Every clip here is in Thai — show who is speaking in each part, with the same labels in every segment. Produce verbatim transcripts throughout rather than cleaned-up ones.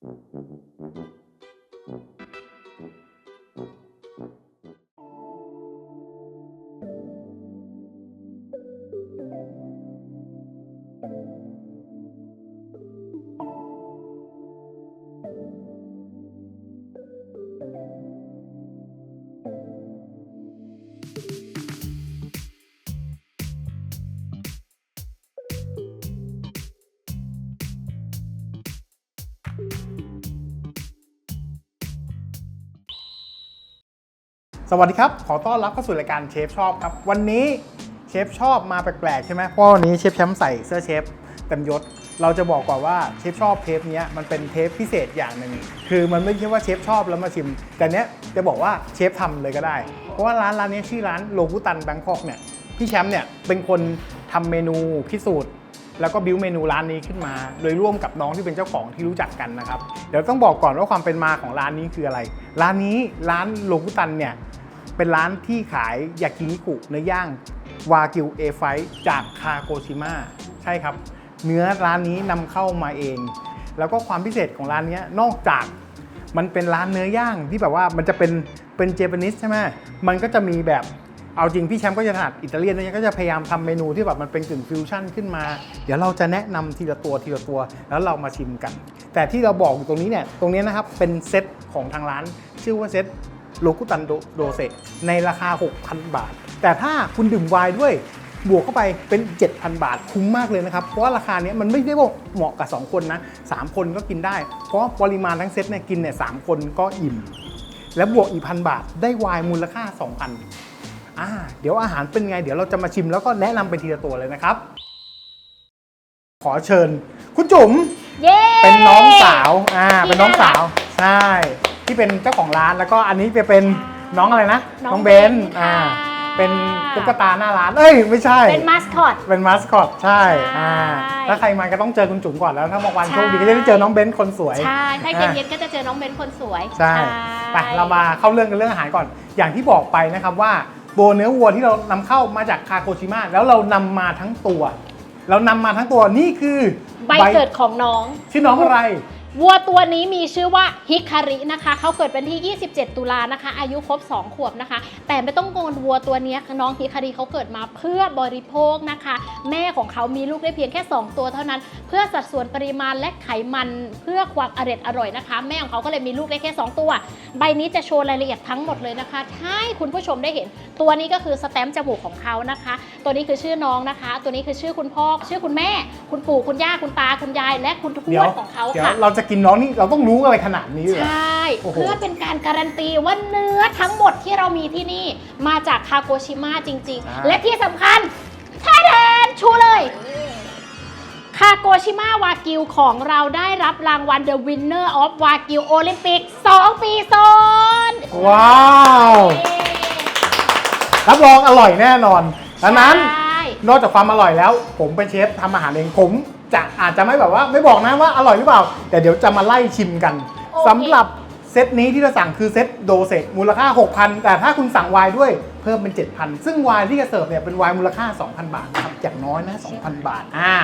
Speaker 1: สวัสดีครับขอต้อนรับเข้าสู่รายการเชฟชอบครับวันนี้เชฟชอบมาแปลกๆใช่ไหมเพราะวันนี้เชฟแชมป์ใส่เสื้อเชฟเต็มยศเราจะบอกก่อนว่าเชฟชอบเทปนี้มันเป็นเทปพิเศษอย่างหนึ่งคือมันไม่ใช่ว่าเชฟชอบแล้วมาชิมแต่เนี้ยจะบอกว่าเชฟทำเลยก็ได้เพราะว่าร้านร้านนี้ชื่อร้านโลกุตันแบงคอกเนี่ยพี่แชมป์เนี่ยเป็นคนทำเมนูพิสูจน์แล้วก็บิวเมนูร้านนี้ขึ้นมาโดยร่วมกับน้องที่เป็นเจ้าของที่รู้จักกันนะครับเดี๋ยวต้องบอกก่อนว่าความเป็นมาของร้านนี้คืออะไรร้านนี้ร้านโลกุตันเนี่ยเป็นร้านที่ขายยากินิคุเนื้อย่างวากิวเอไฟจากคาโกชิมะใช่ครับเนื้อร้านนี้นำเข้ามาเองแล้วก็ความพิเศษของร้านนี้นอกจากมันเป็นร้านเนื้อย่างที่แบบว่ามันจะเป็นเป็นเจแปนิสใช่ไหมมันก็จะมีแบบเอาจริงพี่แชมป์ก็จะถนัดอิตาเลียนนะก็จะพยายามทำเมนูที่แบบมันเป็นกึ่งฟิวชั่นขึ้นมาเดี๋ยวเราจะแนะนำทีละตัวทีละตัวแล้วเรามาชิมกันแต่ที่เราบอกอยู่ตรงนี้เนี่ยตรงนี้นะครับเป็นเซตของทางร้านชื่อว่าเซตโลกุตันโดเซในราคา หกพัน บาทแต่ถ้าคุณดื่มไวน์ด้วยบวกเข้าไปเป็น เจ็ดพัน บาทคุ้มมากเลยนะครับเพราะว่าราคานี้มันไม่ได้ว่าเหมาะกับสองคนนะสามคนก็กินได้เพราะปริมาณทั้งเซตเนี่ยกินเนี่ยสามคนก็อิ่มแล้วบวกอีกพันบาทได้ไวน์มูลค่า สองพัน อ่าเดี๋ยวอาหารเป็นไงเดี๋ยวเราจะมาชิมแล้วก็แนะนำไปทีละตัวเลยนะครับขอเชิญคุณจุ๋มเป็นน้องสาวอ่าเป็นน้องสาวใช่ที่เป็นเจ้าของร้านแล้วก็อันนี้จะเป็นน้องอะไรนะน้องเบนอ่าเป็นตุ๊กตาหน้าร้านเอ้ยไม่ใช่
Speaker 2: เป็นมาสคอต
Speaker 1: เป็นมาสคอตใช่อ่าถ้าใครมาก็ต้องเจอคุณจุ๋มก่อนแล้วถ้าบางวันโชคดีก็จะได้เจอน้องเบนคนสวย
Speaker 2: ใช่ถ้าเย็นๆก็จะเจอน้องเบนคนสวย
Speaker 1: ใช่ไปเรามาเข้าเรื่องกันเรื่องอาหารก่อนอย่างที่บอกไปนะครับว่าโบเนื้อวัวที่เรานำเข้ามาจากคาโกชิมะแล้วเรานำมาทั้งตัวเรานำมาทั้งตัวนี่คือ
Speaker 2: ใบเกิดของน้อง
Speaker 1: ชื่อน้องอะไร
Speaker 2: วัวตัวนี้มีชื่อว่าฮิคารินะคะเขาเกิดวันที่ยี่สิบเจ็ดตุลานะคะอายุครบสองขวบนะคะแต่ไม่ต้องกังวลวัวตัวนี้น้องฮิคาริเขาเกิดมาเพื่อบริโภคนะคะแม่ของเขามีลูกได้เพียงแค่สองตัวเท่านั้นเพื่อสัดส่วนปริมาณและไขมันเพื่อความอร่อยอร่อยนะคะแม่ของเขาก็เลยมีลูกได้แค่สองตัวใบนี้จะโชว์รายละเอียดทั้งหมดเลยนะคะให้คุณผู้ชมได้เห็นตัวนี้ก็คือสแตมป์จมูกของเขานะคะตัวนี้คือชื่อน้องนะคะตัวนี้คือชื่อคุณพ่อชื่อคุณแม่คุณปู่คุณย่าคุณตาคุณยายและคุณทวดของเขาค่ะ
Speaker 1: เราจะกินน้องนี่เราต้องรู้อะไรขนาดนี้เลย
Speaker 2: ใช่เพื่อเป็นการการันตีว่าเนื้อทั้งหมดที่เรามีที่นี่มาจากคาโกชิมะจริงๆและที่สำคัญแท้แทนชูเลยคาโกชิมะวากิวของเราได้รับรางวัล The Winner of Wagyu Olympic สองปีซ้อน
Speaker 1: ว้าวรับรองอร่อยแน่นอนดังนั้นนอกจากความอร่อยแล้วผมเป็นเชฟทำอาหารเองผมจะอาจจะไม่แบบว่าไม่บอกนะว่าอร่อยหรือเปล่าแต่เดี๋ยวจะมาไล่ชิมกันสำหรับเซตนี้ที่เราสั่งคือเซตโดเซตมูลค่า หกพัน แต่ถ้าคุณสั่งไวน์ด้วยเพิ่มเป็น เจ็ดพัน ซึ่งไวน์ที่จะเสิร์ฟเนี่ยเป็นไวน์มูลค่า สองพัน บาทครับอย่างน้อยนะ สองพัน บาทอ่า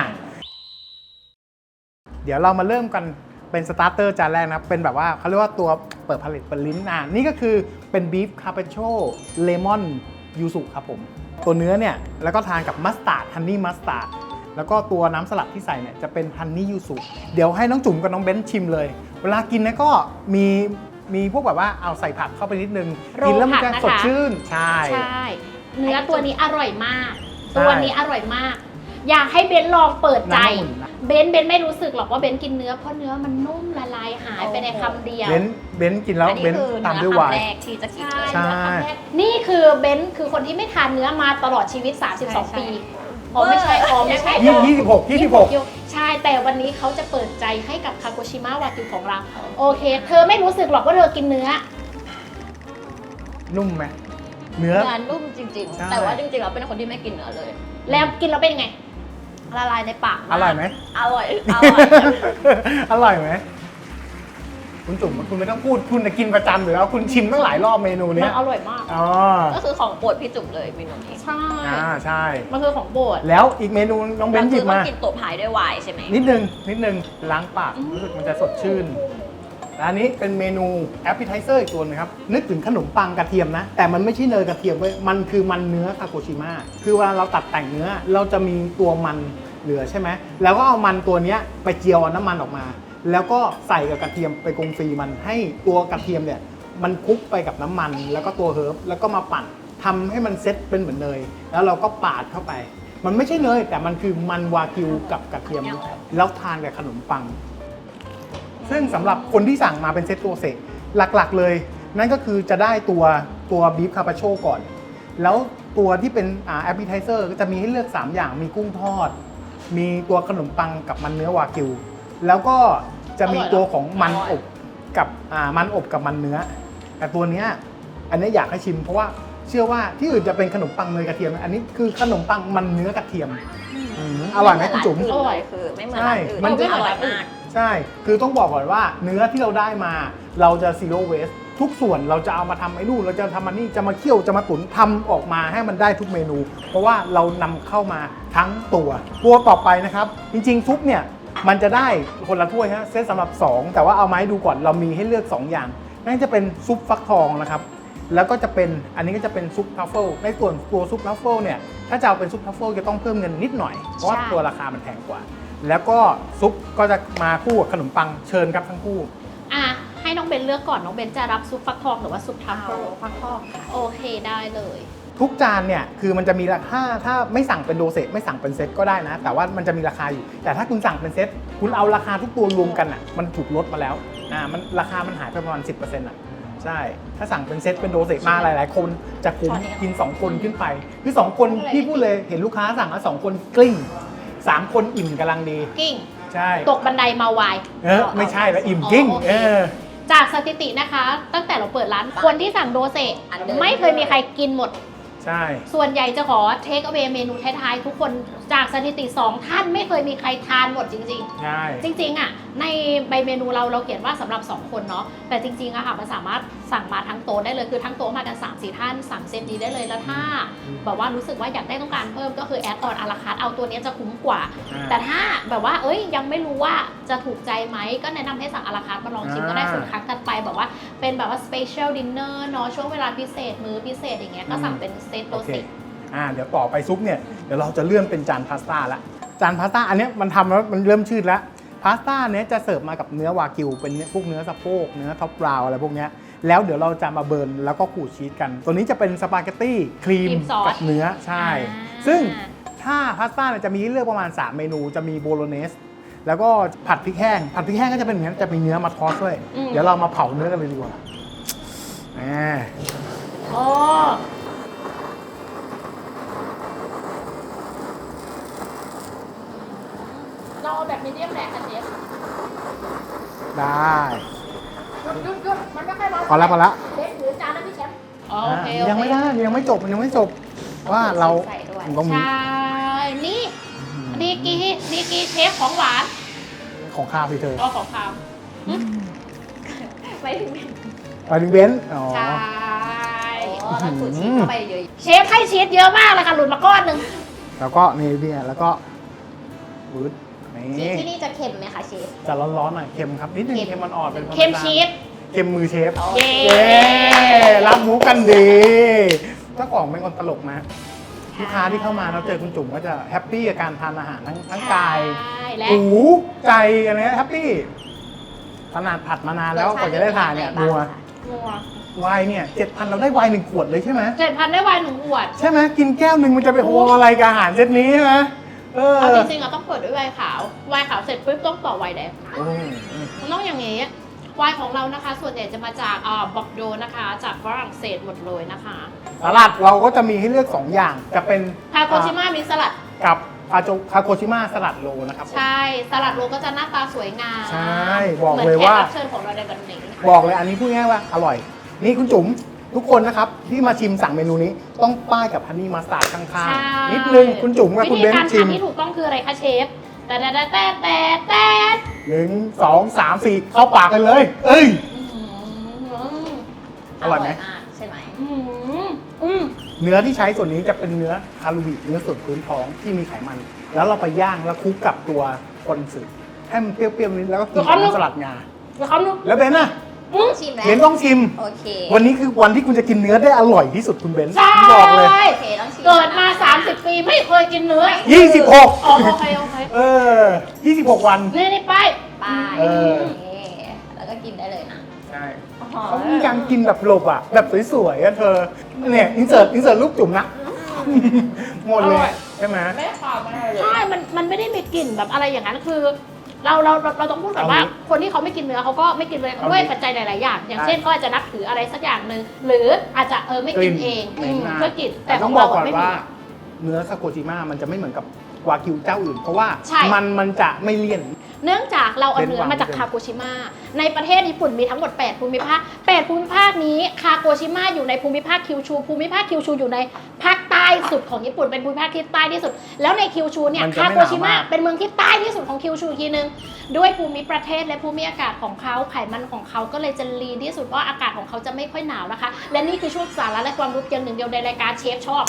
Speaker 1: เดี๋ยวเรามาเริ่มกันเป็นสตาร์เตอร์จานแรกนะเป็นแบบว่าเขาเรียกว่าตัวเปิดผลิตเปิดลิ้นอ่านี่ก็คือเป็นบีฟคาร์ปาโชเลมอนยูสุครับผมตัวเนื้อเนี่ยแล้วก็ทานกับมัสตาร์ดฮันนี่มัสตาร์ดแล้วก็ตัวน้ำสลัดที่ใส่เนี่ยจะเป็นฮันนี่ยูสุเดี๋ยวให้น้องจุ๋มกับน้องเบนชิมเลยเวลากินนะก็มีมีพวกแบบว่าเอาใส่ผักเข้าไปนิดนึงกินแล้วมันจะสดชื่นใช่
Speaker 2: ใช่เนื้อตัวนี้อร่อยมากตัวนี้อร่อยมากอยากให้เบนลองเปิดใจเบนเบนไม่รู้สึกหรอกว่าเบนกินเนื้อเพราะเนื้อมันนุ่มละลายหายไปในคำเดียว
Speaker 1: เบนเบนกินแล้วเบนตามด้วยไวน์
Speaker 2: ที่จะกินเลยนี่คือเบนคือคนที่ไม่ทานเนื้อมาตลอดชีวิตสามสิบสองปีอ๋อไม่ใช่อ๋อไม่ใช่
Speaker 1: ยี่สิบหก ยี่สิบหก
Speaker 2: ใช่แต่วันนี้เขาจะเปิดใจให้กับคาโกชิมะวากิวของเราโอเคเธอไม่รู้สึกหรอกว่าเธอกินเนื้อ
Speaker 1: นุ่มไหมเนื้อ
Speaker 3: นุ่มจริงๆแต่ว่าจริงๆเราเป็นคนที่ไม่กินเนื้อเลย
Speaker 2: แล้วกินแล้วเป็นยังไง
Speaker 3: ละลายในปาก
Speaker 1: อร่อยไหม
Speaker 3: อร่อยอร่อย
Speaker 1: อร่อยไหมคุณจุ๋มคุณไม่ต้องพูดคุณจะกินประจำอยู่แล้วคุณชิมตั้งหลายรอบเมนูนี้
Speaker 2: มันอร่อยมาก
Speaker 1: อ๋อ
Speaker 3: ก็คือของโปรดพี่จุ๋มเลยเมนูนี้
Speaker 2: ใช่
Speaker 1: อ่าใช่
Speaker 2: มันคือของโปรด
Speaker 1: แล้วอีกเมนูน้องเบนหยิบมา
Speaker 3: กินตัวพายด้วยไวน์ใช่ไหม
Speaker 1: นิดนึงนิดนึงล้างปากรู้สึกมันจะสดชื่นและอันนี้เป็นเมนูแอปเปิลไทเซอร์อีกตัวนึงครับนึกถึงขนมปังกระเทียมนะแต่มันไม่ใช่เนยกระเทียมเว้ยมันคือมันเนื้อคาโกชิมะคือเวลาเราตัดแต่งเนื้อเราจะมีตัวมันเหลือใช่ไหมแล้วก็เอามันตัวเนี้ยไปเจียวเอาน้ำมันออกมา แล้วก็ใส่กับกระเทียมไปกงฟรีมันให้ตัวกระเทียมเนี่ยมันคลุกไปกับน้ำมันแล้วก็ตัวเฮิร์บแล้วก็มาปั่นทำให้มันเซ็ตเป็นเหมือนเนยแล้วเราก็ปาดเข้าไปมันไม่ใช่เนยแต่มันคือมันวากิวกับกระเทียมแล้วทานกับขนมปังซึ่งสำหรับคนที่สั่งมาเป็นเซตตัวเสกหลักๆเลยนั่นก็คือจะได้ตัวตัวบีฟคาปาโชก่อนแล้วตัวที่เป็นแอปเปิลไทเซอร์ก็จะมีให้เลือกสามอย่างมีกุ้งทอดมีตัวขนมปังกับมันเนื้อวากิวแล้วก็จะมีตัวของมันอบกับอ่ามันอบกับมันเนื้อแต่ตัวเนี้ยอันนี้อยากให้ชิมเพราะว่าเชื่อว่าที่อื่นจะเป็นขนมปังเนยกระเทียมอันนี้คือขนมปังมันเนื้อกระเทียมอืมอร่อยไหมคุณจุ๋ม
Speaker 3: อร่อยคือไม่เหมือน
Speaker 1: ใช่
Speaker 3: ร้านอื่น
Speaker 1: มันจะ
Speaker 3: อร่อยมาก
Speaker 1: ใช่คือต้องบอกก่อนว่าเนื้อที่เราได้มาเราจะ zero waste ทุกส่วนเราจะเอามาทำไอ้นู่นเราจะทำมันนี่จะมาเคี่ยวจะมาตุ๋นทำออกมาให้มันได้ทุกเมนู เพราะว่าเรานำเข้ามาทั้งตัวตัวต่อไปนะครับจริงๆซุปเนี่ยมันจะได้คนละถ้วยฮะเซตสำหรับสองแต่ว่าเอามาให้ดูก่อนเรามีให้เลือกสองอย่างนั่นจะเป็นซุปฟักทองนะครับแล้วก็จะเป็นอันนี้ก็จะเป็นซุปทัฟเฟิลในส่วนตัวซุปทัฟเฟิลเนี่ยถ้าจะเอาเป็นซุปทัฟเฟิลจะต้องเพิ่มเงินนิดหน่อยเพราะว่าตัวราคามันแพงกว่าแล้วก็ซุปก็จะมาคู่กับขนมปังเชิญครับทั้งคู่
Speaker 2: อ่ะให้น้องเบนเลือกก่อนน้องเบนจะรับซุปฟักทองหรือว่าซุปทัฟเฟิล
Speaker 3: ฟักทองค่ะ
Speaker 2: โอเคได้เลย
Speaker 1: ทุกจานเนี่ยคือมันจะมีราคาถ้าไม่สั่งเป็นโดเซตไม่สั่งเป็นเซตก็ได้นะแต่ว่ามันจะมีราคาอยู่แต่ถ้าคุณสั่งเป็นเซตคุณเอาราคาทุกตัวรวมกันอ่ะมันถูกลดมาแล้วอ่ามันราคามันหายไปประมาณ สิบเปอร์เซ็นต์ อ่ะใช่ถ้าสั่งเป็นเซตเป็นโดเซตมาหลายๆคนจะคุ้มกินสองคนขึ้นไปคือสองคนพี่พูดเลยเห็นลูกค้าสั่งแล้วสองคนกลิ้งสามคนอิ่มกำลังดี
Speaker 2: กิ้ง
Speaker 1: ใช่
Speaker 2: ตกบันไดมาวาย
Speaker 1: เออไม่ใช่แล้วอิ่มกิ้ง
Speaker 2: อ๋อโอเค
Speaker 1: เออ
Speaker 2: จากสถิตินะคะ ตั้งแต่เราเปิดร้านคนที่สั่งโดเซตไม่เคยมีใครกินหมด
Speaker 1: ใช่
Speaker 2: ส่วนใหญ่จะขอเทคเอา a y เมนูท้ายๆทุกคนจากสถิติสองท่านไม่เคยมีใครทานหมดจริง
Speaker 1: ใช่
Speaker 2: ๆ จริงๆอ่ะในใบเมนูเราเราเขียนว่าสำหรับสองคนเนาะแต่จริงๆอะค่ะมันสามารถสั่งมาทั้งโต๊ะได้เลยคือทั้งโต๊ะมากัน สามสี่ ท่านสั่งเซตนี้ได้เลยแล้วถ้าแบบว่ารู้สึกว่าอยากได้ต้องการเพิ่มก็คือแอดออนอาราคาร์เอาตัวนี้จะคุ้มกว่า
Speaker 1: อ่า
Speaker 2: แต่ถ้าแบบว่าเอ้ยยังไม่รู้ว่าจะถูกใจไหมก็แนะนำให้สั่งอาราคาร์มาลองชิมก็ได้
Speaker 1: อ่า
Speaker 2: ส่วนครั้งถัดไปแบบว่าเป็นแบบว่าสเปเชียลดินเนอร์เนาะช่วงเวลาพิเศษมื้อพิเศษอย่างเงี้ยก็สั่งเป็นเซตโด
Speaker 1: โอเค
Speaker 2: เซต
Speaker 1: อ่าเดี๋ยวต่อไปซุปเนี่ยเดี๋ยวเราจะเลื่อนเป็นจานพาสต้าละจานพาสต้าอันเนี้ยมันทำแล้วมันเริ่มชืดแล้วพาสต้าเนี้ยจะเสิร์ฟมากับเนื้อวากิวเป็นพวกเนื้อสะโพกเนื้อท็อปบราวน์อะไรพวกเนี้ยแล้วเดี๋ยวเราจะมาเบิร์นแล้วก็ขูดชีสกัน ตัวนี้จะเป็นสปาเกตตี้ครีม
Speaker 2: ครีมซอส
Speaker 1: กับเนื้อใช่
Speaker 2: อ่า
Speaker 1: ซึ่งถ้าพาสต้าเนี่ยจะมีให้เลือกประมาณสามเมนูจะมีโบโลเนสแล้วก็ผัดพริกแห้งผัดพริกแห้งก็จะเป็นอย่างนี้นจะมีเนื้อมาทอสด้วยเดี๋ยวเรามาเผาเนื้อกันเลยดีกว่าอ่า
Speaker 2: อ๋อเราเอาแบบมีเดียมแรงกันเชฟ
Speaker 1: ได้
Speaker 2: หยุดหยุดหยุดมันไม่ค่อยร้อน
Speaker 1: พอแล้วพอแล้ว
Speaker 2: เชฟหรือจานนะพี่เชฟอ๋อโอเค
Speaker 1: ยังไม่ได้ยังไม่จบมันยังไม่จบว่าเรา
Speaker 3: ใส่ด้วย
Speaker 1: ต้องมี
Speaker 2: ใช่นี่ดีกีดีกีเชฟของหวาน
Speaker 1: ของข้าวพี่เธอ
Speaker 2: อ๋อของคาว
Speaker 3: ไม่ถึง
Speaker 1: ไปถึงเบนซ์อ๋อ
Speaker 2: ใช่
Speaker 3: อ๋อแล้วขูดชีสเข้าไปเยอะ
Speaker 2: เชฟให้ชีสเยอะมากเลยค่ะหลุดมาก้อนหนึ่ง
Speaker 1: แล้วก็นี่เนี่ยแล้วก็วืด
Speaker 3: ๆชี
Speaker 1: นี่
Speaker 3: สที่นี่จะเค็มไหมคะเชฟ
Speaker 1: จะร้อนๆหน่อยเค็มครับนิดนึง
Speaker 3: เค็ม
Speaker 1: เค็มมันอ่อนเป็น
Speaker 2: เค็มชีส
Speaker 1: เค็มมือเชฟ
Speaker 3: โอ
Speaker 2: เย้
Speaker 3: เค
Speaker 1: เย้รับมุกกันดีเจ้าของเป็นคนตลกนะลูกค้าที่เข้ามาเราเจอคุณจุ๋มก็จะแฮปปี้กับการทานอาหารทั้งทั้งกาย
Speaker 2: ใช่และ
Speaker 1: หูใจกันเลยแฮปปี้ขนาดผัดมานานแล้วกว่าจะได้ทานเนี่ยนัว
Speaker 2: นัว
Speaker 1: ไวน์เนี่ยเจ็ดพันเราได้ไวน์หนึ่งขวดเลยใช่ไหม
Speaker 2: เจ็ดพันได้ไวน์หนึ่งขวด
Speaker 1: ใช่ไหมกินแก้วหนึ่งมันจะไปโฮอะไรกับอาหารเซตนี้ใช่ไหมเออ
Speaker 2: เอาจริงๆเราต้องเปิดด้วยไวน์ขาว ไวน์ขาวเสร็จปุ๊บต้องต่อไวน์แดง
Speaker 1: อืมอืม
Speaker 2: มันต้องอย่างนี้ ไวน์ของเรานะคะ ส่วนใหญ่จะมาจากอ่าบอกโดนะคะ จากฝรั่งเศสหมดเลยนะคะ
Speaker 1: สลัดเราก็จะมีให้เลือกสองอย่างจะเป็น
Speaker 2: คาโกชิมะมีสลัด
Speaker 1: กับคาโจคาโกชิมะสลัดโลนะครับผม
Speaker 2: ใช่ สลัดโลก็จะหน้าตาสวยงาม
Speaker 1: ใช่บอก
Speaker 2: หมืน
Speaker 1: เลยว่า
Speaker 2: แขกรับเชิญของเราในวันนี้
Speaker 1: บอกเลยอันนี้พูดง่ายๆว่าอร่อย นี่คุณจุ๋มทุกคนนะครับที่มาชิมสั่งเมนูนี้ต้องป้ายกับฮันนี่มัสตาร์ดข้าง
Speaker 2: ใช่
Speaker 1: ๆ นิดนึงคุณจุ๋มกับคุณเบน
Speaker 2: วิธีการ
Speaker 1: ซ์ชิม
Speaker 2: ทำที่ถูกต้องคืออะไรคะเชฟ แต่แต่แต่แต่แต่แต่
Speaker 1: หนึ่งสองสามสี่เข้าปากกันเลย เอ้ย อร่อยไหม
Speaker 3: มากใช่ไหม
Speaker 2: อืมอืม
Speaker 1: เนื้อที่ใช้ส่วนนี้จะเป็นเนื้อคารูบิเนื้อส่วนพื้นท้องที่มีไขมัน แล้วเราไปย่างแล้วคลุกกับตัวคอนสึให้มันเปรี้ยวๆนิดแล้วก็กินกับน้ำสลัดงา
Speaker 2: เขาดู
Speaker 1: แล้วเบนน่ะ
Speaker 2: อืม
Speaker 3: ชิมแล้ว
Speaker 1: เบนต้องชิม
Speaker 3: โอเค
Speaker 1: วันนี้คือวันที่คุณจะกินเนื้อได้อร่อยที่สุดคุณเบน
Speaker 2: ใช่
Speaker 1: ผมบอกเลย
Speaker 3: โอเคต้องชิม
Speaker 2: เกิดมา สามสิบ ปีไม่เคยกินเนื้อ
Speaker 1: ยี่สิบหก
Speaker 2: อ๋อโอเคโอเค
Speaker 1: เออยี่สิบหกวัน
Speaker 2: นี่นี่ไป
Speaker 3: ไป
Speaker 1: เออ
Speaker 3: นี่แล้วก็กินได้เลยนะ
Speaker 1: ใช่
Speaker 3: อ๋อ
Speaker 1: เขามีการกินแบบหลบอ่ะ แบบสวยๆอ่ะเธอ เนี่ยอินเสิร์ตอินเสิร์ตรูปจุ่มนะ หมดเลยใช่ไหม
Speaker 3: ไม่ขาวไม่อะไรเลย
Speaker 2: ใช่ มัน มันไม่ได้มีกลิ่นแบบอะไรอย่างนั้น คือ เรา เรา เราเราต้องพูดก่อนว่า
Speaker 1: เอางี้
Speaker 2: คนที่เขาไม่กินเนื้อเขาก็ไม่กินเลย
Speaker 1: เอางี้
Speaker 2: ด้วยปัจจัยหลาย ๆ อย่าง อย่าง
Speaker 1: ใช่
Speaker 2: เช่นเขาอาจจะนับถืออะไรสักอย่างหนึ่ง หรืออาจจะเออไม่กินเอง
Speaker 1: กลิ่น
Speaker 2: อืม
Speaker 1: ไม่น่า
Speaker 2: เพื่อกลิ่น
Speaker 1: แต่
Speaker 2: แต่ข
Speaker 1: ต้
Speaker 2: อ
Speaker 1: อง งบ
Speaker 2: เรา
Speaker 1: อกก่อน
Speaker 2: ไม่
Speaker 1: ว่า
Speaker 2: มี
Speaker 1: เนื้อซาโกจิมะมันจะไม่เหมือนกับวากิวเจ้าอื่น เพราะว่า
Speaker 2: ใช่
Speaker 1: มันมันจะไม่เลี่ยน
Speaker 2: เนื่องจากเราเอาเนื้อ
Speaker 1: เป็นวาง
Speaker 2: มาจาก
Speaker 1: เป็น
Speaker 2: คาโกชิมะในประเทศญี่ปุ่นมีทั้งหมด แปด ภูมิภาค แปด ภูมิภาคนี้คาโกชิมะอยู่ในภูมิภาคคิวชู ภูมิภาคคิวชูอยู่ในภาคใต้สุดของญี่ปุ่นเป็นภูมิภาคที่ใต้ที่สุด แล้วในคิวชูเนี่ย
Speaker 1: มันจะ
Speaker 2: คา
Speaker 1: ไม่
Speaker 2: โกชิมะ
Speaker 1: หนาวมาก
Speaker 2: เป็นเมืองที่ใต้ที่สุดของคิวชูอีกทีนึงด้วยภูมิประเทศและภูมิอากาศของเขาไขมันของเขาก็เลยจะลีนที่สุดเพราะอากาศของเขาจะไม่ค่อยหนาวนะคะ และนี่คือช่วงสาระและความรู้เพียงหนึ่งเดียวในรายการเชฟชอบ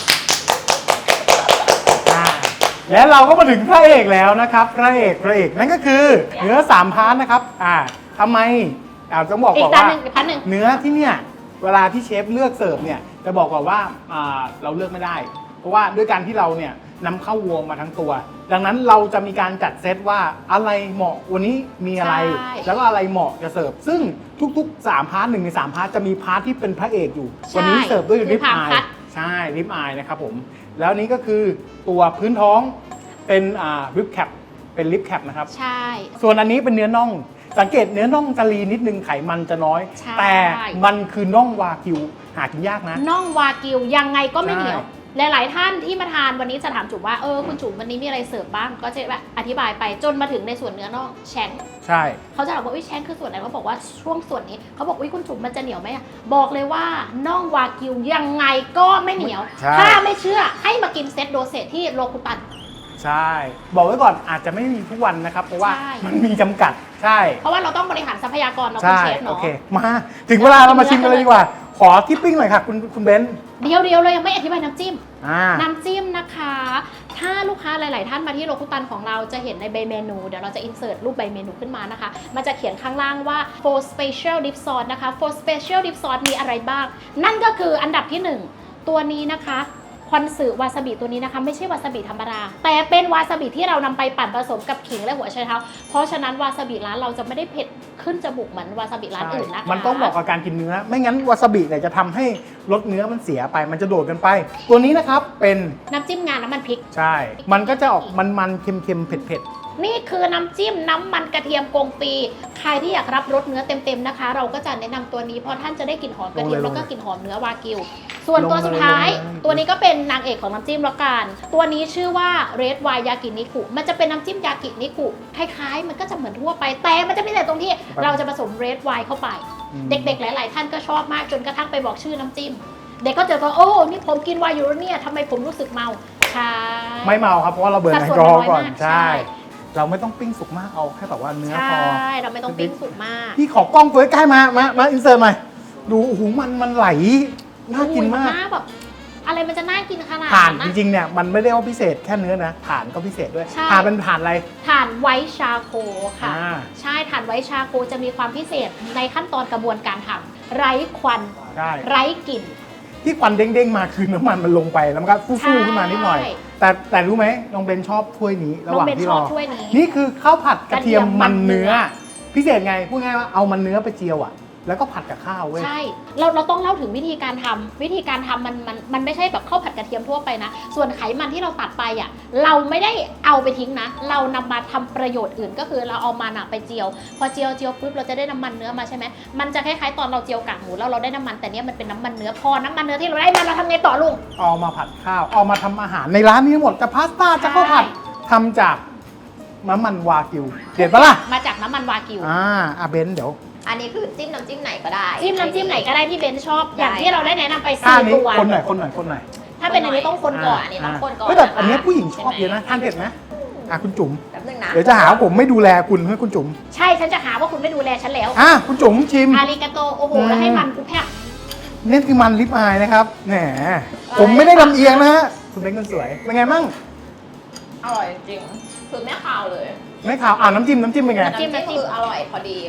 Speaker 1: อ่าและเราก็มาถึงพระเอกแล้วนะครับพระเอกพระเอกนั่นก็คือเนื้อสามพาร์ทนะครับอ่าทำไมอ่าต้องบอก
Speaker 2: อี
Speaker 1: ก่
Speaker 2: ก
Speaker 1: อน
Speaker 2: จาน
Speaker 1: ว่า
Speaker 2: หนึ่งอีกพันหนึ่ง
Speaker 1: เนื้อที่เนี่ยเวลาที่เชฟเลือกเสิร์ฟเนี่ยจะบอกก่อนว่าอ่าเราเลือกไม่ได้ เพราะว่าด้วยการที่เราเนี่ยนำเข้าวัวมาทั้งตัว ดังนั้นเราจะมีการจัดเซตว่าอะไรเหมาะวันนี้มีอะไร
Speaker 2: ใช่
Speaker 1: แล้วก็อะไรเหมาะจะเสิร์ฟซึ่งทุกๆสามพาร์ทหนึ่งในสามพาร์ทจะมีพาร์ทที่เป็นพระเอกอยู่วันนี้เสิร์ฟด้วยริบอายใช่ริบอายนะครับผมแล้วนี้ก็คือตัวพื้นท้องเป็นอ่าริบแคปเป็นริบแคปนะครับ
Speaker 2: ใช่
Speaker 1: ส่วนอันนี้เป็นเนื้อน่อง สังเกตเนื้อน่องจะลีนิดนึงไขมันจะน้อย
Speaker 2: ใช่
Speaker 1: แต่มันคือน่องวากิวหากินยากนะ
Speaker 2: น่องวากิวยังไงก็ไม่
Speaker 1: ใช่
Speaker 2: เหนียว หลาย ๆ ท่านที่มาทานวันนี้จะถามจุ๋มว่าเออคุณจุ๋มวันนี้มีอะไรเสิร์ฟบ้างก็จะแบบอธิบายไปจนมาถึงในส่วนเนื้อน่องแชง
Speaker 1: ใช่
Speaker 2: เขาจะถามว่าอุ้ยแชงคือส่วนไหนเขาบอกว่าช่วงส่วนนี้เขาบอกอุ้ยคุณจุ๋มมันจะเหนียวไหมอะบอกเลยว่าน่องวากิวยังไงก็ไม่เหนียว
Speaker 1: ใช่
Speaker 2: ถ้าไม่เชื่อให้มากินเซตโดเซตที่โลคุตัน
Speaker 1: ใช่ บอกไว้ก่อนอาจจะไม่มีทุกวันนะครับ เพราะว่า
Speaker 2: ใช่
Speaker 1: มันมีจำกัดใช่
Speaker 2: เพราะว่าเราต้องบริหารทรัพยากรเราเป็น
Speaker 1: ใช่
Speaker 2: เชฟ
Speaker 1: โอ
Speaker 2: เนาะ
Speaker 1: เคมาถึงเวลาเรามาชิมกันเลยดีกว่า ขอทิปปิ้งหน่อยค่ะคุณคุณเบนซ์
Speaker 2: เดียวเดียวๆเลยยังไม่อธิบายน้ำจิ้ม
Speaker 1: อ่า
Speaker 2: น้ำจิ้มนะคะ ถ้าลูกค้าหลาย ๆ ท่านมาที่โลคุตันของเราจะเห็นในใบเมนู เดี๋ยวเราจะอินเสิร์ตรูปใบเมนูขึ้นมานะคะ มันจะเขียนข้างล่างว่า four special dip sauce นะคะ four special dip sauce มีอะไรบ้าง นั่นก็คืออันดับที่หนึ่งตัวนี้นะคะคอนสึวาซาบิตัวนี้นะคะไม่ใช่วาซาบิธรรมดา แต่เป็นวาซาบิที่เรานำไปปั่นผสมกับขิงและหัวไชเท้า เพราะฉะนั้นวาซาบิร้านเราจะไม่ได้เผ็ดขึ้นจมูกเหมือนวาซาบิร้านอื่นนะคะ
Speaker 1: มันต้องบอกกับการกินเนื้อ ไม่งั้นวาซาบิเนี่ยจะทำให้รสเนื้อมันเสียไปมันจะโดดกันไป ตัวนี้นะครับเป็น
Speaker 2: น้ำจิ้มงาน้ำมันพริก
Speaker 1: ใช่ มันก็จะออกมันๆเค็มๆเผ็ด
Speaker 2: นี่คือน้ำจิ้มน้ำมันกระเทียมกงปี ใครที่อยากรับรสเนื้อเต็มๆนะคะ เราก็จะแนะนำตัวนี้เพราะท่านจะได้กลิ่นหอมกระเทียมแล้วก็กลิ่นหอมเนื้อวากิว ส่วนตัวสุดท้าย ตัวนี้ก็เป็นนางเอกของน้ำจิ้มแล้วกัน ตัวนี้ชื่อว่าเรดไวน์ยากินิคุมันจะเป็นน้ำจิ้มยากินิคุคล้ายๆ มันก็จะเหมือนทั่วไปแต่มันจะพิเศษตรงที่เราจะผสมเรดไวน์เข้าไป
Speaker 1: ๆ
Speaker 2: เด็กๆ หลาย ๆ ท่านก็ชอบมากจนกระทั่งไปบอกชื่อน้ำจิ้ม เด็กก็จะบอกโอ้นี่ผมกินไวน์อยู่แล้วเนี่ยทำไมผมรู้สึกเมาใช่
Speaker 1: ไม่เมาครับเพราะว่าเราเบิร์น
Speaker 2: สั
Speaker 1: แอ
Speaker 2: ด
Speaker 1: ล
Speaker 2: ส่วน
Speaker 1: กอฮอล์
Speaker 2: น้อย
Speaker 1: ก่อน
Speaker 2: มาก
Speaker 1: ใช่
Speaker 2: ใช่
Speaker 1: เราไม่ต้องปิ้งสุกมากเอาแค่แบบว่าเนื้อ
Speaker 2: ใช
Speaker 1: พอ
Speaker 2: ่ เราไม่ต้องปิ้งสุกมาก
Speaker 1: พี่ขอกล้องตัวใกล้ๆมา มา มาอินเสิร์ตหน่อย ดูโอ้โหมันมันไหล น่ากินมาก
Speaker 2: อุ้ยแบบอะไรมันจะน่ากินขนาด
Speaker 1: ถ่าน
Speaker 2: นั้น
Speaker 1: จริงๆเนี่ยมันไม่ได้ว่าพิเศษแค่เนื้อนะถ่านก็พิเศษด้วย
Speaker 2: ใช่
Speaker 1: ถ่านเป็นถ่านอะไร
Speaker 2: ถ่านไวท์ชาโคค่ะ
Speaker 1: อ่า
Speaker 2: ใช่ถ่านไวท์ชาโคจะมีความพิเศษในขั้นตอนกระบวนการทำไร้ควัน
Speaker 1: ใช่
Speaker 2: ไร้กลิ่น
Speaker 1: ที่ควันเด้งๆมาคือน้ำมันมันลงไปแล้วมันก็ฟู่ๆขึ้นมานิดหน่อย
Speaker 2: ใช่
Speaker 1: แต่แต่รู้ไหมน้องเบนชอบถ้วยนี้ระหว่าง
Speaker 2: น้องเบน
Speaker 1: ที่
Speaker 2: ช
Speaker 1: ร
Speaker 2: อบ
Speaker 1: อ
Speaker 2: ถ้วยนี้
Speaker 1: นี่คือข้าวผัดกระเทียม
Speaker 2: กระเทียมมั
Speaker 1: มัน
Speaker 2: นเนื้
Speaker 1: เนื้อ
Speaker 2: อ
Speaker 1: พิเศษไงพูดง่ายว่าเอามันเนื้อไปเจียวอ่ะ แล้วก็ผัดกับข้าวเว้ย
Speaker 2: ใช่ เราเราต้องเล่าถึงวิธีการทำวิธีการทำมันมันมันไม่ใช่แบบข้าวผัดกระเทียมทั่วไปนะ ส่วนไขมันที่เราตัดไปอ่ะ เราไม่ได้เอาไปทิ้งนะ เรานำมาทำประโยชน์อื่นก็คือเราเอามันอะไปเจียว พอเจียวเจียวปุ๊บเราจะได้น้ำมันเนื้อมาใช่ไหมมันจะคล้ายๆตอนเราเจียวกากหมูแล้วเราได้น้ำมันแต่เนี้ยมันเป็นน้ำมันเนื้อพอน้ำมันเนื้อที่เราได้มาเราทำไงต่อลุง
Speaker 1: เอามาผัดข้าว เอามาทำอาหารในร้านนี้ทั้งหมดจะพาสต้าจะข้าวผัดทำจากน้ำมันวากิว เด็ดปะล่ะ
Speaker 2: มาจากน้ำมันวากิว
Speaker 1: อ่าอาเบนเดี๋ยว
Speaker 3: อันนี้คือจิ้มน้ำจิ้มไหนก็ได้
Speaker 2: จิ้มน้ำจิ้มไหนก็ได้ที่เบนชอบ อย่าง
Speaker 3: ได้
Speaker 2: ที่เราได้แนะนำไป
Speaker 1: ข้า
Speaker 2: สี่
Speaker 1: นี้
Speaker 2: ตัว
Speaker 1: คนหน่อยคนหน่อยคนหน่อย
Speaker 2: ถ้าเป็นอันนี้ต้องคนก่อน
Speaker 3: อันนี้ต้องคนก่อน
Speaker 1: เฮ้ยแต่อันเนี้ย
Speaker 3: นะคะ
Speaker 1: ผู้หญิงชอบเยอะนะทานเผ็ดไหมอ่ะคุณจุ๋ม
Speaker 3: แป๊บนึงนะ
Speaker 1: เดี๋ยวจะหาว่าผมไม่ดูแลคุณให้คุณจุ๋ม
Speaker 2: ใช่ฉันจะหาว่าคุณไม่ดูแลฉันแล้ว
Speaker 1: อ่ะคุณจุ๋มชิม
Speaker 2: อาริกาโตโอ้โหแล้วให้มันกูแพะ
Speaker 1: นี่คือมันลิปอายนะครับแหมผมไม่ได้ลำเอียงนะฮะคุณเป็นคนสวยเป็นไงมั่ง
Speaker 3: อร่อยจริงๆคือไม่คาวเลย
Speaker 1: ไม่ขาวอ่าน้ำจิ้มน้ำจิ้มเป็นไง
Speaker 3: น้ำจิ้มก็คืออร่อยพอดีอะ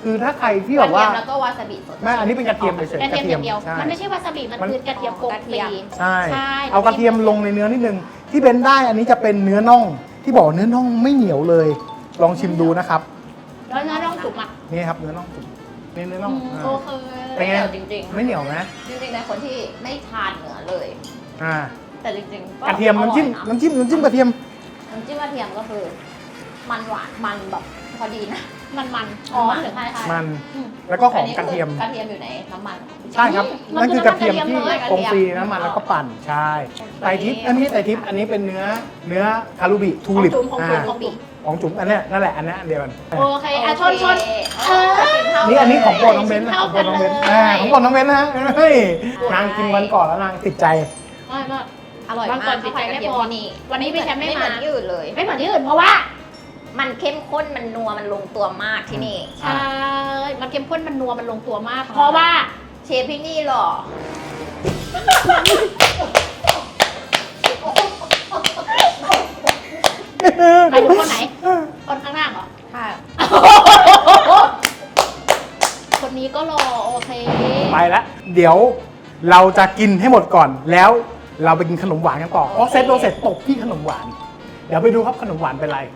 Speaker 1: คือถ้าใครที่แบบว่า
Speaker 3: กระเทียมแล้วก็วาซาบิสด
Speaker 1: แม่อันนี้เป็นกระเทียมเฉย
Speaker 2: กระ
Speaker 1: ๆ
Speaker 2: เทียมอย่างเดียว
Speaker 1: ใช่
Speaker 2: มันไม่ใช่วาซาบิมัน
Speaker 1: มัน
Speaker 2: คือกระเทียมโกงฟรี
Speaker 1: ใช่
Speaker 2: ใช่
Speaker 1: เอากระเทียมลงในเนื้อนิดนึงที่เบนได้อันนี้จะเป็นเนื้อน่องที่บอกเนื้อน่องไม่เหนียวเลย ลองชิมดูนะครับ
Speaker 2: แล้วเนื้อน่องสุกอ่ะ
Speaker 1: นี่ครับเนื้อน่องนี่เนื้อน่อง
Speaker 2: อืม
Speaker 1: อ่า
Speaker 2: โอเค
Speaker 1: เป็นไง
Speaker 3: จริงๆ
Speaker 1: ไม่เหนียวนะ
Speaker 3: จริงๆในคนที่ไม่ทานเนื้อเลย
Speaker 1: อ่า
Speaker 3: แต่จริงๆ
Speaker 1: กระเทียมน้ำจิ้ม
Speaker 3: อร่อยะ
Speaker 1: น้ำจิ้มน้ำจิ้มกระเทียม
Speaker 3: น้ำจิ้มกระเทียมก็คือ มันหวานมันแบบพอดีนะ
Speaker 2: มันมัน
Speaker 3: อ๋อ
Speaker 2: มันเหลือง
Speaker 3: ใช่ใช่
Speaker 1: มัน
Speaker 2: อืม
Speaker 1: แล้วก็หอมกระเทียม
Speaker 3: กระเทียมอยู่ในน้ำมันของพี่
Speaker 1: ใช่ครับ
Speaker 2: มัน
Speaker 1: นั่น
Speaker 2: คือ
Speaker 1: คือกระเทียม
Speaker 2: น้ำมัน
Speaker 1: ที่
Speaker 2: กระเทียมเลย
Speaker 1: กงฟรีน้ำมันแล้วก็ปั่นใช่ไตรทิพย์อันนี้ไม่ใช่ไตรทิพย์อันนี้เป็นเนื้อเนื้อคารูบิทูลิป
Speaker 2: ของจุ๋มของจุ๋ม
Speaker 1: อ่า
Speaker 2: ของจุ๋ม
Speaker 1: ของจุ๋มอันเนี้ยนั่นแหละอันเนี้ยอันเดียวกัน
Speaker 2: โอเคอ่ะชนชน
Speaker 3: เออกินเท่า
Speaker 1: นี่อันนี้ของโปรด
Speaker 3: เลย
Speaker 1: น้องเบนซ์นะ
Speaker 2: เท่า
Speaker 1: ของโปรดน้องเบนซ์
Speaker 2: กันเลย
Speaker 1: อ่าของโปรดน้องเบนซ์นะฮะเฮ้ยนางกินวันก่อนแล้วนางติดใจ
Speaker 2: ไม่ไม่
Speaker 3: อร่อย
Speaker 2: วันก่
Speaker 3: มา
Speaker 2: อก น
Speaker 3: ติดใจกระเทียม
Speaker 2: พี่แชมป์ไม่พอ
Speaker 3: ที่นี่
Speaker 2: วันนี้พี่แชมป์ไม่
Speaker 3: ไม่เหมือน
Speaker 2: มา
Speaker 3: ที่อื่นเลย
Speaker 2: ไม่เหมือนที่อื่นเพราะว่า
Speaker 3: มันเข้มข้นมันนัวมันลงตัวมากที่นี่
Speaker 2: ใช่ มันเข้มข้นมันนัวมันลงตัวมาก เพราะว่า
Speaker 3: เชฟที่นี่หรอ
Speaker 2: หมายถึงคนไหน คนข้างหน้าเหรอ
Speaker 3: ค่ะ
Speaker 2: คนนี้ก็รอโอเค
Speaker 1: ไปแล้วเดี๋ยวเราจะกินให้หมดก่อนแล้วเราไปกินขนมหวานกันต่อเพราะเซตโดนเสร็จตกที่ขนมหวาน เดี๋ยวไปดูครับขนมหวานเป็นไร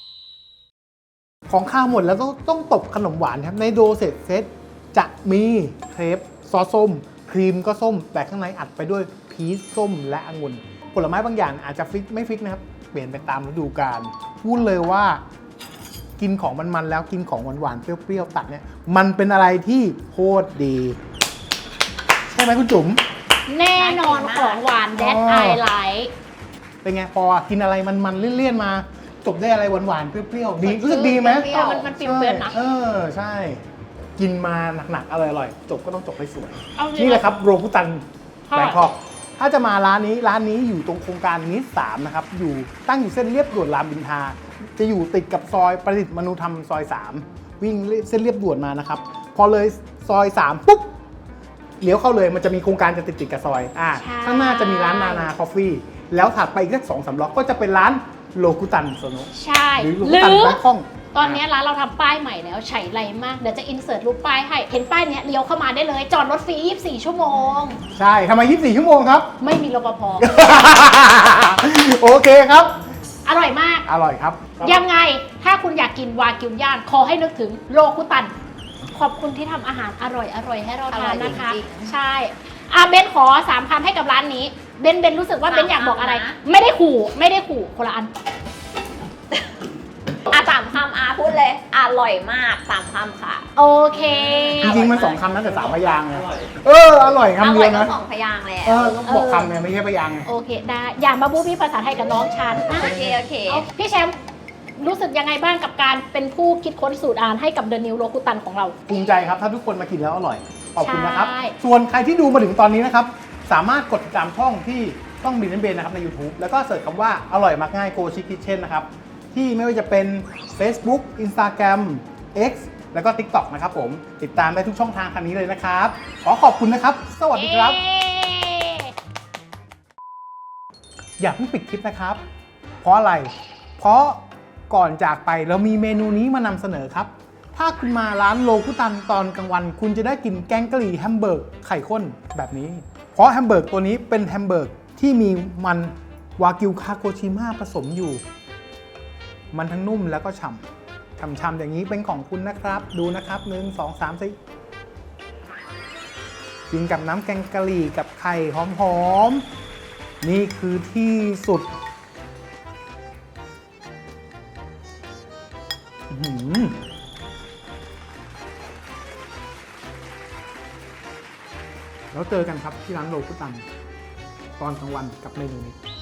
Speaker 1: ของข้าวหมดแล้วต้องต้องตบขนมหวานครับในโดเซตเซตจะมีเครปซอสส้ม ครีมก็ส้ม แต่ข้างในอัดไปด้วยพีชส้มและองุ่นผลไม้บางอย่างอาจจะฟิกไม่ฟิกนะครับ เปลี่ยนไปตามฤดูกาลพูดเลยว่า กินของมันๆแล้วกินของหวานๆเปรี้ยวๆตัดเนี่ยมันเป็นอะไรที่โคตรดี ใช่ไหมคุณจุ๋ม
Speaker 2: แน่นอนของหวานแดด
Speaker 1: อ๋อ
Speaker 2: ไอไลท์
Speaker 1: เป็นไงพอกินอะไรมันๆเลี่ยนๆมาจบได้อะไรหวานๆเปรี้ยวๆดีรู้สึกดีไหม
Speaker 3: เปรี้ยว
Speaker 2: มันมันฟิลเปรี้ยวนะ
Speaker 1: เออใช่ กินมาหนักๆอร่อยๆจบก็ต้องจบให้สวย
Speaker 2: เอาจริง
Speaker 1: นี่แหละครับโรบุตัน
Speaker 2: ค่ะ
Speaker 1: แบงคอกถ้าจะมาร้านนี้ร้านนี้อยู่ตรงโครงการนิสสามนะครับอยู่ตั้งอยู่เส้นเรียบด่วนรามอินทราจะอยู่ติดกับซอยประดิษฐ์มนุธรรมซอยสามวิ่งเส้นเรียบด่วนมานะครับพอเลยซอยสามปุ๊บเลี้ยวเข้าเลยมันจะมีโครงการจะติดติดๆกับซอยอ่า
Speaker 2: ใช่
Speaker 1: ข้างหน้าจะมีร้านนานาคอฟฟี่แล้วถัดไปอีกสักสองสามล็อกก็จะเป็นร้านโลกุตันโซโน
Speaker 2: ใช่
Speaker 1: หรือโล
Speaker 2: ห
Speaker 1: กุ
Speaker 2: รื
Speaker 1: ตัน
Speaker 2: อ
Speaker 1: แบงคอก
Speaker 2: ตอนนี้ร้านเราทำป้ายใหม่แล้วใช้ไรมาก เดี๋ยวจะอินเสิร์ตรูปป้ายให้ เห็นป้ายเนี้ยเลี้ยวเข้ามาได้เลย จอดรถฟรียี่สิบสี่ชั่วโมง
Speaker 1: ใช่ทำไมยี่สิบสี่ชั่วโมงครับ
Speaker 2: ไม่มีรปภ
Speaker 1: โอเคครับ
Speaker 2: อร่อยมาก
Speaker 1: อร่อยครับ
Speaker 2: ยังไงถ้าคุณอยากกินวากิวย่างขอให้นึกถึงโลคุตัน ขอบคุณที่ทำอาหารอร่อยอร่อยให้เราทานนะคะ
Speaker 3: อร่อยจริงๆ
Speaker 2: ใช่อาเบนขอสามคำให้กับร้านนี้ เบนเบนรู้สึกว่า
Speaker 3: สาม
Speaker 2: เบนอยากบอกอะไร
Speaker 3: คำนะ
Speaker 2: ไม่ได้ขู่ไม่ได้ขู่คนละอัน
Speaker 3: อ่ะสามคำอาพูดเลย อร่อยมากสามคำค่ะ
Speaker 2: โอเค
Speaker 1: จริงๆมันสองคำนะแต่สามพยางค์ไงเอออร่อย
Speaker 3: อ
Speaker 1: คำ
Speaker 3: ร่
Speaker 1: เดี
Speaker 3: อย
Speaker 1: ยว
Speaker 3: ก็
Speaker 1: นะ
Speaker 3: สองพยางค์แล้ว
Speaker 1: เออต้องบอกคำไงไม่ใช่พยางค์ไง
Speaker 2: โอเคได้อย่ามาบูบี้ภาษาไทยกับน้องฉันนะ
Speaker 3: โอเคโอเค
Speaker 2: เอาพี่แชมป์รู้สึกยังไงบ้างกับการเป็นผู้คิดค้นสูตรอาหารให้กับเดอะนิวโลคุตันของเรา
Speaker 1: ภูมิใจครับถ้าทุกคนมากินแล้วอร่อยขอบคุณนะครับ
Speaker 2: ใช่
Speaker 1: ส่วนใครที่ดูมาถึงตอนนี้นะครับ สามารถกดติดตามช่องที่ช่องบินเบนนะครับใน YouTube แล้วก็เสิร์ชคำว่าอร่อยมักง่ายโกชิคิเช่นนะครับ ที่ไม่ว่าจะเป็น Facebook Instagram X แล้วก็ TikTok นะครับผมติดตามได้ทุกช่องทางทางนี้เลยนะครับ ขอขอบคุณนะครับ สวัสดีครับ
Speaker 2: เย้
Speaker 1: อย่าเพิ่งปิดคลิปนะครับ เพราะอะไร เพราะก่อนจากไปเรามีเมนูนี้มานำเสนอครับ ถ้าคุณมาร้านโลคุตันตอนกลางวัน คุณจะได้กินแกงกะหรี่แฮมเบอร์กไข่ข้นแบบนี้ เพราะแฮมเบอร์กตัวนี้เป็นแฮมเบอร์กที่มีมันวากิวคาโกชิมะผสมอยู่ มันทั้งนุ่มแล้วก็ฉ่ำฉ่ำๆอย่างนี้เป็นของคุณนะครับ ดูนะครับหนึ่งสองสามสี่กินกับน้ำแกงกะหรี่กับไข่หอมๆนี่คือที่สุดอื้อหือแล้วเจอกันครับที่ร้านโลคุตันตอนกลางวันกับเมนูนี้